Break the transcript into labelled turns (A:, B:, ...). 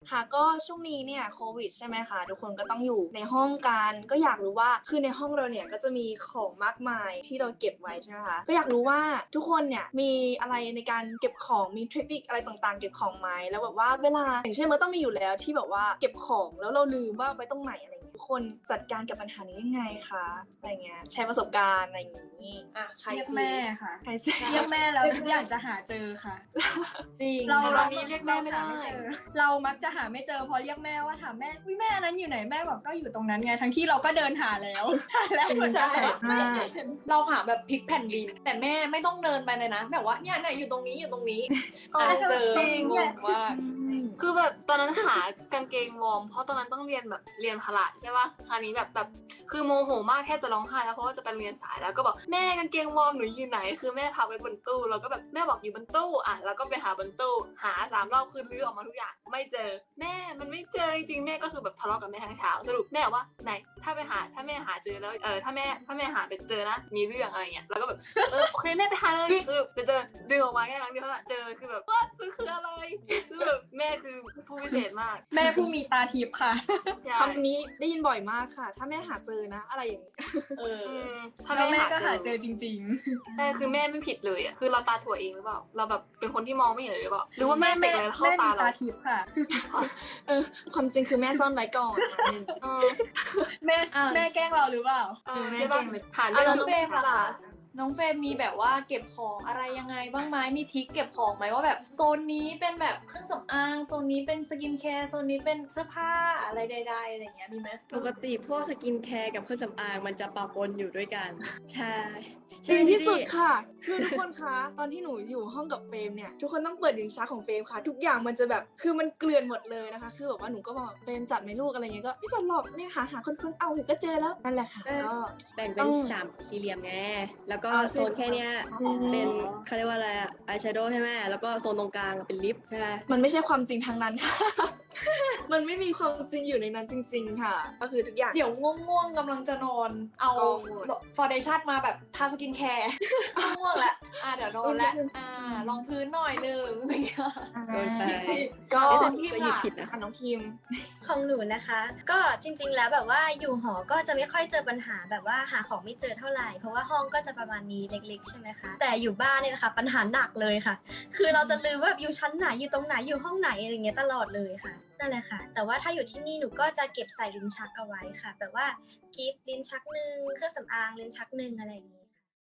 A: ค่ะก็ช่วงนี้เนี่ยโควิดใช่ไหมคะทุกคนก็ต้องอยู่ในห้องกันก็อยากรู้ว่าคือในห้องเราเนี่ยก็จะมีของมากมายที่เราเก็บไว้ใช่ไหมคะก็อยากรู้ว่าทุกคนเนี่ยมีอะไรในการเก็บของมีเทคนิคอะไรต่างๆเก็บของไหมแล้วแบบว่าเวลาอย่างเช่นมันต้องมีอยู่แล้วที่แบบว่าเก็บของแล้วเราลืมว่าไปตรงไหนอะไรอย่างเงี้ยทุกคนจัดการกับปัญหานี้ยังไงคะอะไรเงี้ยแชร์ประสบการณ์อะไรอย่างงี้อ่ะใคร
B: เรียก
A: สิ
B: แม่ค่ะ
A: ใครสิ
B: เรียกแม่แล้วทุกอย่างจะหาเจอค่ะ
A: จริง
B: เรา
C: ตอนนี้เรียกแม่ไม่ได้
B: เจอเรามักจะหาไม่เจอพอเรียกแม่ว่าถามแม่อุ้ยแม่นั้นอยู่ไหนแม่บอกก็อยู่ตรงนั้นไงทั้งที่เราก็เดินหาแล้วแล้วเหมือนกัน
C: เราหาแบบพลิกแผ่นดินแต่แม่ไม่ต้องเดินไปเลยนะแบบว่าเนี่ยอยู่ตรงนี้อยู่ตรงนี้เจอ
B: จริง
C: งงมาก
D: คือแบบตอนนั้นหากางเกงวอร์มเพราะตอนนั้นต้องเรียนแบบเรียนพละใช่ปะคราวนี้แบบคือโมโหมากแทบจะร้องไห้แล้วเพราะว่าจะไปโรงเรียนสายแล้วก็บอกแม่กางเกงวอร์มหนูอยู่ไหนคือแม่พาไปบนตู้เราก็แบบแม่บอกอยู่บนตู้อ่ะแล้วก็ไปหาบนตู้หา3 รอบคือลื้อออกมาทุกอย่างไม่เจอแม่มันไม่เจอจริงๆแม่ก็คือแบบทะเลาะกับแม่ทั้งเช้าสรุปแม่บอกว่าไหนถ้าแม่หาเจอแล้วถ้าแม่หาไปเจอนะมีเรื่องอะไรเงี้ยแล้วก็แบบโอเคแม่ไปหาเลยคือจะเจอดึงออกมาแค่ครั้งเดียวเท่านั้นเจอคือแบบว่ามันคืออะไรคือแบบแม่คือผู้พิเศษมาก
B: แม่ผู้มีตาทิพย์ค่ะ
A: คำนี้ได้ยินบ่อยมากค่ะ ถ้าแม่หาเจอนะ อะไรอย่างนี้
D: ถ้า
B: แล้วแม่
D: แม่
B: ก็หา
D: หา
B: เจ
D: เจ
B: อ
D: อ
B: จริง
D: ใช่คือแม่ไม่ผิดเลยอ่ะคือเราตาถั่วเองหรือเปล่าเราแบบเป็นคนที่มองไม่เห็นเลยหรือเปล่าหรือว่า
B: ๆ
D: แม่เสกอะไรเข้า
B: แม่
D: ตา
B: มี
D: เรา
B: ตาทิพย์ค่ะ
A: ความจริงคือแม่ซ่อนไว้ก่อน
D: เออ
B: แม่แกล้งเราหรือเปล่า
D: ใช่ป่ะหา
C: อ่ะ
D: เรื่
C: น้
D: อ
C: อง งเฟรมล่ะคะน้องเฟรมมีแบบว่าเก็บของอะไรยังไงบ้างไหมมีทริคเก็บของไหมว่าแบบโซนนี้เป็นแบบเครื่องสำอางโซนนี้เป็นสกินแคร์โซนนี้เป็นเสื้อผ้าอะไรใดๆอะไรอย่างเงี้ยมีไหม
E: ปกติพวกสกินแคร์กับเครื่องสำอางมันจะปะปนอยู่ด้วยกัน ใช่
A: จริงที่สุด
E: ใช่
A: ค่ะ คือทุกคนคะ ตอนที่หนูอยู่ห้องกับเฟรมเนี่ย ทุกคนต้องเปิดลิ้นชักของเฟรมค่ะ ทุกอย่างมันจะแบบ คือมันเกลื่อนหมดเลยนะคะ คือแบบว่าหนูก็บอกเฟรมจับไหมลูกอะไรเงี้ย ก็ไม่จับหรอกเนี่ยหาคนเอาเดี๋ยวก็เจอแล้ว นั่นแหละค่ะ ก็
E: แบ่งเป็น3 สี่เหลี่ยมไง แล้วก็
A: อ่า
E: โซนแค่เนี้ยเป็นเขาเรียกว่าอะไรอะอายแชโดว์ใช่ไหมแล้วก็โซนตรงกลางเป็นลิปใช่ไหม
A: มันไม่ใช่ความจริงทางนั้นค่ะ มันไม่มีความจริงอยู่ในนั้นจริง ๆ ค่ะ ก็คือทุกอย่าง
C: เดี๋ยวง่วงๆกำลังจะนอนเอา
A: กองหมด
C: ฟอร์เดชั่นมาแบบทาสกินแคร์ ง่วงแล้วเดี๋ยวนอนแล้วลองพื้นหน่อยนึงอะไรอย่างเงี้ย
E: โดนไป
A: ก็
E: แต่
C: พิมพ์
E: ก็หยิบ
C: ล่ะ
E: ผิดนะ
A: น้องพิมพ์
F: ของหนูนะคะ ก็จริงๆแล้วแบบว่าอยู่หอก็จะไม่ค่อยเจอปัญหาแบบว่าหาของไม่เจอเท่าไหร่เพราะว่าห้องก็จะประมาณนี้เล็กๆใช่ไหมคะแต่อยู่บ้านเนี่ยนะคะปัญหาหนักเลยค่ะ คือเราจะลืมว่าอยู่ชั้นไหนอยู่ตรงไหนอยู่ห้องไหนอะไรเงี้ยตลอดเลยค่ะนั่นแหละค่ะ แต่ว่าถ้าอยู่ที่นี่หนูก็จะเก็บใส่ลิ้นชักเอาไว้ค่ะ แบบว่ากิฟต์ลิ้นชักหนึ่งเครื่องสำอางลิ้นชักหนึ่งอะไรอย่างนี้